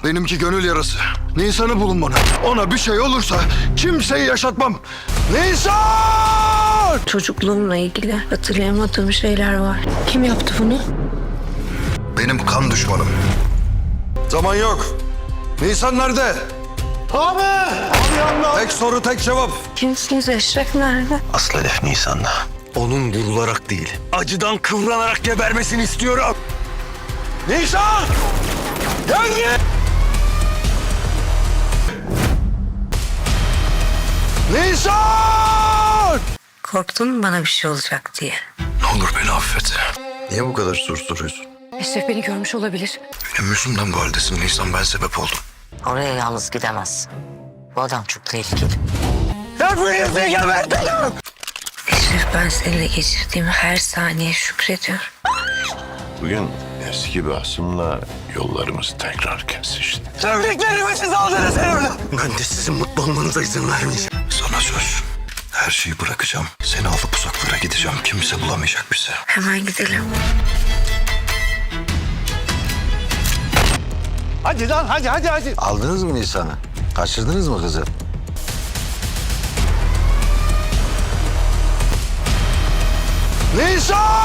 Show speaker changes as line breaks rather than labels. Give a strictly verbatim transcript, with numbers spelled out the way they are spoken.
Benimki gönül yarası. Nisan'ı bulun bana. Ona bir şey olursa kimseyi yaşatmam. Nisan!
Çocukluğumla ilgili hatırlayamadığım şeyler var. Kim yaptı bunu?
Benim kan düşmanım. Zaman yok. Nisan nerede? Abi! Abi yanına. Tek soru tek cevap.
Kimsiniz? Eşref nerede?
Aslı hedef Nisan'da. Onun vurularak değil, acıdan kıvranarak gebermesini istiyorum. Nisan! Gel gel! Nisan!
Korktun mu bana bir şey olacak diye?
Ne olur beni affet. Niye bu kadar susturuyorsun?
Eşref beni görmüş olabilir.
Benim yüzümden bu haldesin Nisan, ben sebep oldum.
Oraya yalnız gidemezsin. Bu adam çok tehlikeli.
Hepinizi gebertin!
Eşref, ben seninle geçirdiğim her saniye şükrediyorum.
Bugün eski bir hasımla yollarımız tekrar kesişti.
Sevdiklerimi siz aldınız elimden. Ben de sizin mutlu olmanıza izin vermeyeceğim. Sana söz. Her şeyi bırakacağım. Seni alıp uzaklara gideceğim. Kimse bulamayacak bizi.
Hemen gidelim.
Hadi lan hadi hadi hadi.
Aldınız mı Nisan'ı? Kaçırdınız mı kızı?
Nisan!